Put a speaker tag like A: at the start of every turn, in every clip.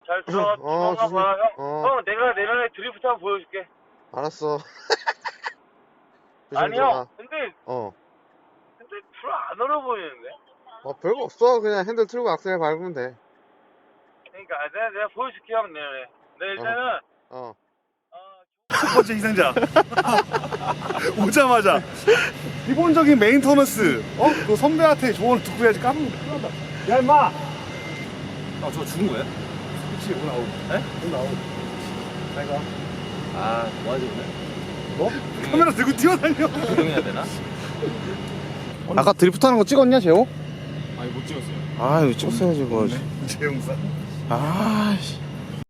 A: 잘 들어가.
B: 조심히.
A: 봐. 형, 내가 내년에 드리프트 한번 보여줄게.
B: 알았어.
A: 아니
B: 들어가.
A: 형, 근데
B: 어.
A: 별로 안 어려 보이는데.
B: 별거 없어. 그냥 핸들 틀고 악셀 밟으면 돼.
A: 그러니까 내가 보여줄게 형 내년에. 내 일단은
C: 첫 번째 희생자. 오자마자 기본적인 메인터너스. 그 선배한테 조언을 듣고 해야지. 까먹으면 큰일 난다. 야 임마.
D: 저거 죽은 거예요?
C: 그치 오늘 아웃.
D: 네?
C: 오늘 아웃. 잘 가.
D: 뭐하지 오늘?
C: 너? 카메라 들고 뛰어다녀.
D: 조용해야 되나?
E: 아까 드리프트 하는 거 찍었냐, 재호?
D: 아니 못 찍었어요.
E: 아, 이거 찍었어야지, 그거.
C: 재용사.
E: 아씨.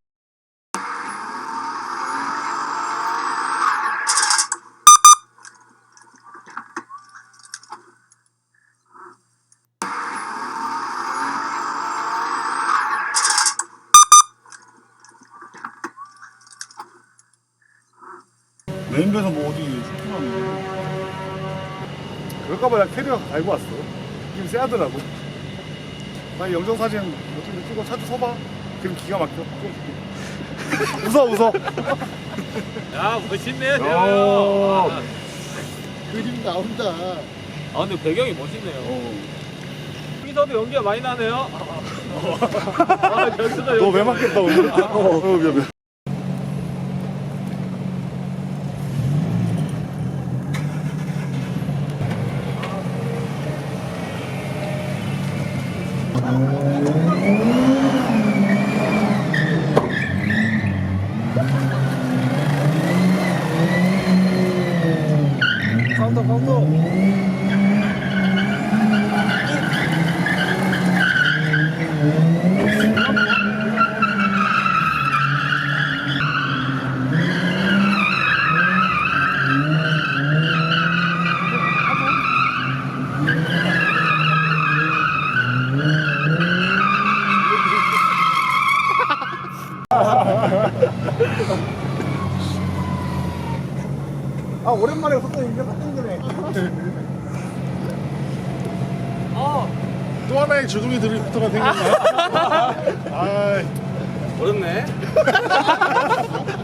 C: 메인배에서 뭐 어디 쇼핑하는데. 그럴까봐 내가 캐리어 달고 왔어. 느낌 쎄하더라고. 나 영정사진 어떻게 찍어 차주 서봐. 그럼 기가 막혀. 웃어.
D: 야 멋있네요
C: 야.
D: 재호 형.
B: 그림 나온다.
D: 근데 배경이 멋있네요. 여기서도 연기가 많이 나네요. 여기서도
C: 너 왜 맞겠다 오늘? 미안.
D: 카운터.
C: 오랜만에 속도 이제 딱 땡기네. 또 하나의 주둥이 드리프트가 생겼네.
D: 어렵네.